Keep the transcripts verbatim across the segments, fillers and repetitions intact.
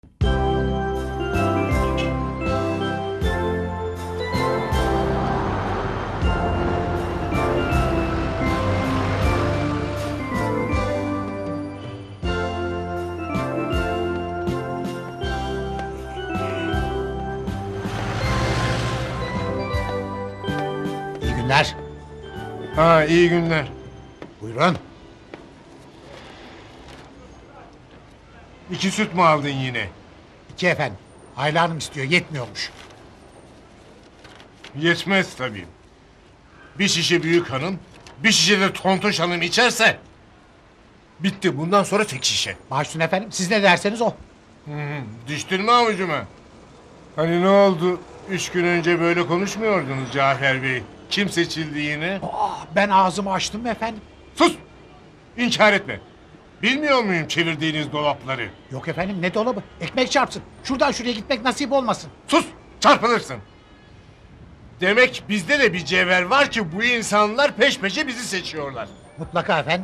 İyi günler. Ha, iyi günler. Buyurun. İki süt mü aldın yine? İki efendim. Ayla Hanım istiyor, yetmiyormuş. Yetmez tabii. Bir şişe büyük hanım, bir şişe de tontoş hanım içerse... bitti, bundan sonra tek şişe. Başüstün efendim, siz ne derseniz o. Hı hı, düştün mü avucuma? Hani ne oldu? Üç gün önce böyle konuşmuyordunuz Cafer Bey. Kim seçildi yine? Aa, ben ağzımı açtım efendim. Sus! İnkar etme. Bilmiyor muyum çevirdiğiniz dolapları? Yok efendim, ne dolabı? Ekmek çarpsın. Şuradan şuraya gitmek nasip olmasın. Sus! Çarpılırsın. Demek bizde de bir cevher var ki bu insanlar peş peşe bizi seçiyorlar. Mutlaka efendim.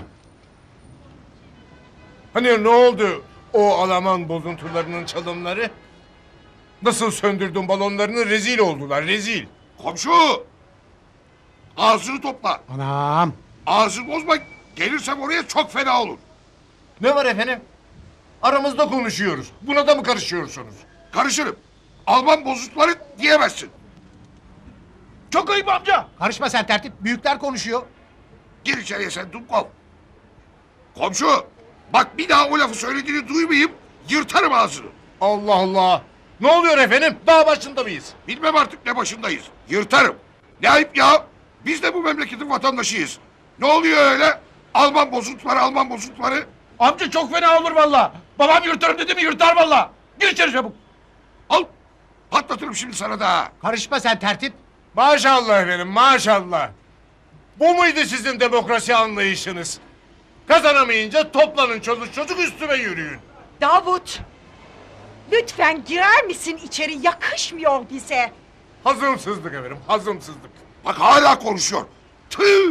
Hani ne oldu o Alman bozuntularının çalımları? Nasıl söndürdün balonlarını, rezil oldular, rezil. Komşu! Ağzını topla. Anam. Ağzını bozma. Gelirsem oraya çok fena olur. Ne var efendim? Aramızda konuşuyoruz. Buna da mı karışıyorsunuz? Karışırım. Alman bozukları diyemezsin. Çok ayıp amca. Karışma sen tertip. Büyükler konuşuyor. Gir içeriye sen Dumkov. Komşu! Bak bir daha o lafı söylediğini duymayayım. Yırtarım ağzını. Allah Allah. Ne oluyor efendim? Daha başında mıyız? Bilmem artık ne başındayız. Yırtarım. Ne ayıp ya. Biz de bu memleketin vatandaşıyız. Ne oluyor öyle? Alman bozuntuları, Alman bozuntuları. Amca çok fena olur valla. Babam yırtarım dedi mi yırtar valla. Gir içeri çabuk. Al. Patlatırım şimdi sana da. Karışma sen tertip. Maşallah efendim, maşallah. Bu muydu sizin demokrasi anlayışınız? Kazanamayınca toplanın çoluk çocuk üstüme yürüyün. Davut! Lütfen girer misin içeri? Yakışmıyor bize. Hazımsızlık efendim, hazımsızlık. Bak hala konuşuyor. Tüh!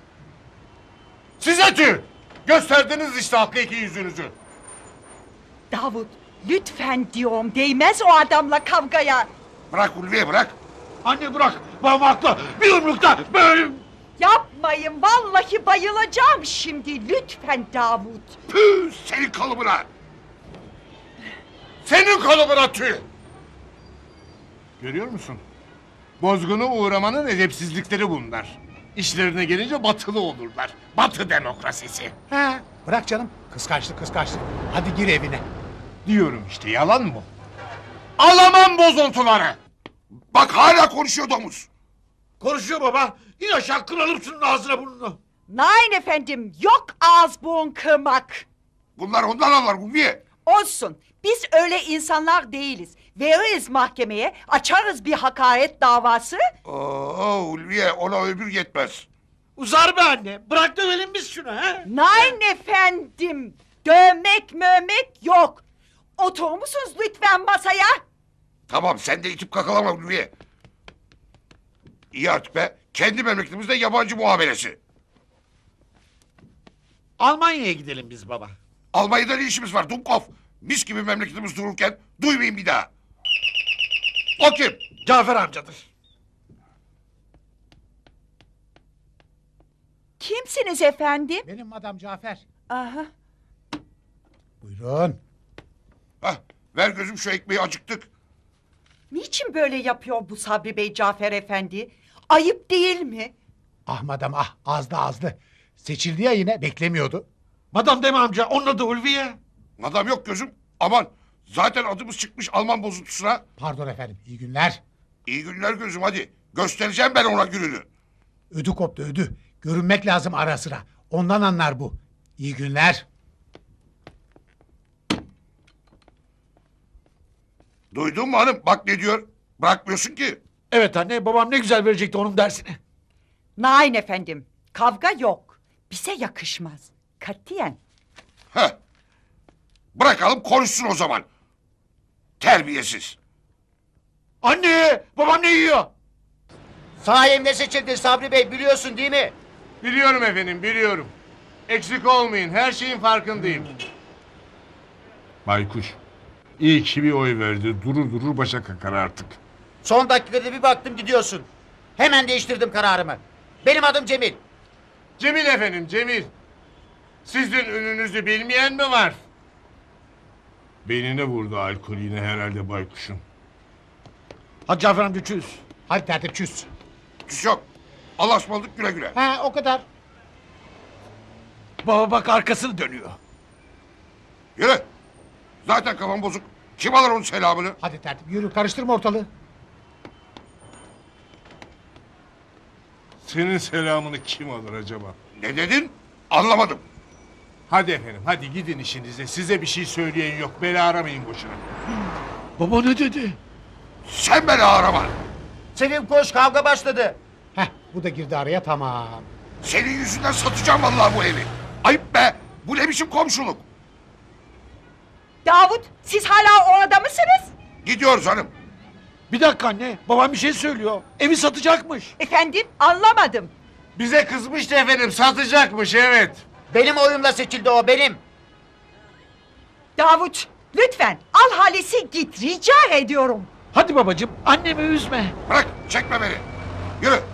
Size tüh! Gösterdiniz işte hakiki yüzünüzü. Davut, lütfen diyorum. Değmez o adamla kavgaya. Bırak Ulviye bırak. Anne bırak. Babam haklı. Bir yumrukta böyle... Yapmayın, vallahi bayılacağım şimdi. Lütfen Davut. Püh senin kalıbına. Senin kalıbına tüh! Görüyor musun? Bozgunu uğramanın edepsizlikleri bunlar. İşlerine gelince batılı olurlar. Batı demokrasisi. He. Bırak canım. Kıskançlık kıskançlık. Hadi gir evine. Diyorum işte, yalan mı? Alaman bozuntuları! Bak hala konuşuyor domuz. Konuşuyor baba. İn aşağı kıralım şunun ağzına burnunu. Nein efendim, yok ağız burun kırmak. Bunlar ondan anlar Ulviye. Olsun, biz öyle insanlar değiliz. Veririz mahkemeye, açarız bir hakaret davası. Oo Ulviye ona ömür yetmez. Uzar be anne. Bırak dövelim biz şunu ha. Nein efendim, dövmek mövmek yok. Oturur musunuz lütfen masaya? Tamam sen de itip kakalama Ulviye. İyi artık be. Kendi memleketimizde yabancı muamelesi. Almanya'ya gidelim biz baba. Almanya'da ne işimiz var Dumkov? Mis gibi memleketimiz dururken duymayayım bir daha. O kim? Cafer amcadır. Kimsiniz efendim? Benim Madam Cafer. Aha. Buyurun. Hah, ver gözüm şu ekmeği acıktık. Niçin böyle yapıyor bu Sabri Bey Cafer Efendi? Ayıp değil mi? Ah madam ah, azdı azdı. Seçildi ya yine, beklemiyordu. Madam deme amca. Onun adı Ulviye. Madam yok gözüm. Aman zaten adımız çıkmış Alman bozuntusuna. Pardon efendim, iyi günler. İyi günler gözüm hadi. Göstereceğim ben ona gününü. Ödü koptu ödü. Görünmek lazım ara sıra. Ondan anlar bu. İyi günler. Duydun mu hanım? Bak ne diyor. Bırakmıyorsun ki. Evet anne. Babam ne güzel verecekti onun dersini. Nein efendim, kavga yok. Bize yakışmaz. Katiyen. Heh. Bırakalım konuşsun o zaman. Terbiyesiz. Anne! Babam ne yiyor? Sayemde seçildin Sabri Bey biliyorsun değil mi? Biliyorum efendim, biliyorum. Eksik olmayın, her şeyin farkındayım. Baykuş, İyi ki bir oy verdi. Durur durur başa kakar artık. Son dakikada bir baktım gidiyorsun. Hemen değiştirdim kararımı. Benim adım Cemil. Cemil efendim, Cemil. Sizin ününüzü bilmeyen mi var? Beynine vurdu alkol yine herhalde baykuşun. Hadi Cafer amca çüz. Hadi tertip çüz. Küs yok. Allah'a ısmarladık güle güle. Ha o kadar. Baba bak arkasını dönüyor. Yürü. Zaten kafam bozuk. Kim alır onun selamını? Hadi tertip yürü karıştırma ortalığı. Senin selamını kim alır acaba? Ne dedin? Anlamadım. Hadi efendim, hadi gidin işinize. Size bir şey söyleyen yok. Beni aramayın boşuna. Baba ne dedi? Sen beni arama. Sevim koş kavga başladı. Heh bu da girdi araya tamam. Senin yüzünden satacağım vallahi bu evi. Ayıp be. Bu ne biçim komşuluk? Davut, siz hala orada mısınız? Gidiyoruz hanım. Bir dakika anne. Babam bir şey söylüyor. Evi satacakmış. Efendim, anlamadım. Bize kızmıştı efendim, satacakmış evet. Benim oyumla seçildi o benim. Davut, lütfen al Halis'i git, rica ediyorum. Hadi babacığım annemi üzme. Bırak çekme beni. Yürü.